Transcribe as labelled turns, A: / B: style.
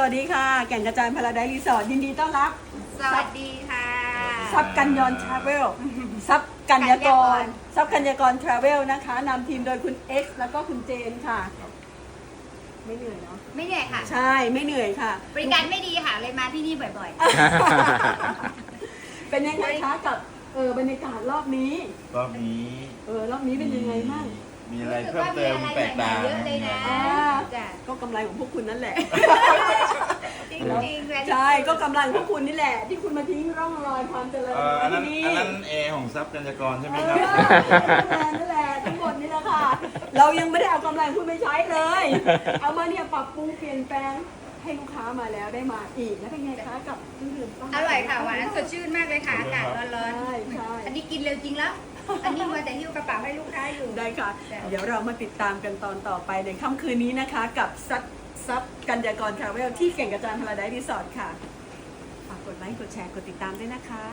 A: วัสดีค่ะแก่นกระจายพาราไดซ์รีสอร์ทยินดีต้อนรับ
B: สวัสดีค่ะ
A: ซับกัญญรทราเวลซับกัญญากรซับกัญญากรทราเวลนะคะนำทีมโดยคุณ X แล้วก็คุณเจนค่ะไม่เหนื่อยเนาะ
B: ไม่เหนื่อยค่ะ
A: ใช่ไม่เหนื่อยค่ะ
B: บริการไม่ดีค่ะเลยมาที่นี่บ่อย
A: เป็นยังไงคะกับบรรยากาศรอบนี้
C: รอบนี้
A: รอบนี้เป็นยังไงบ้าง
C: มี
B: ๆ
C: อะไร
B: รู้สึก
C: เพิ่ม
B: ว่ามี
C: เติม
B: อะไร
C: แปลก
B: ใหม่
C: ตา
B: ๆเยอะเลยนะ
A: อ่า
B: จ้ะ
A: ก็กำไรของพวกคุณนั่นแหละ
B: จริงๆเลย
A: ใช่ก็กำไรของพวกคุณนี่แหละ ที่คุณมาทิ้งร่องรอยความเจริญ
C: อัน
A: ไว้
C: นั้น
A: ที่นี่
C: อันนั้นแอร์ของทรัพย์กัญญากรใช่ไหม
A: เอ
C: ครับ
A: นั่นแหละทั้งหมดนี่แหละค่ะ เรายังไม่ได้เอากำไรของคุณไปใช้เลย เอามาเนี่ยปรับปรุงเปลี่ยนแปลงให้ลูกค้ามาแล้วได้มาอีกแล้วเป็นไงคะกับเครื่องดื่มต้น
B: อร่อยค่ะหวานสดชื่นมากเลยค่ะอากาศร้อน
A: ใช่ใช่
B: ๆอันนี้กินเร็วจริงแล้ว อันนี้มาแต่หิ้วกระเป๋าให้ลูกค้าอยู่
A: ได้ค่ะ เดี๋ยวเรามาติดตามกันตอนต่อไปในค่ำคืนนี้นะคะ กับซับกัญญากรทราเวลที่เก่งกระจายพาราไดซ์รีสอร์ทค่ะฝากกดไลค์กดแชร์กดติดตามด้วยนะคะ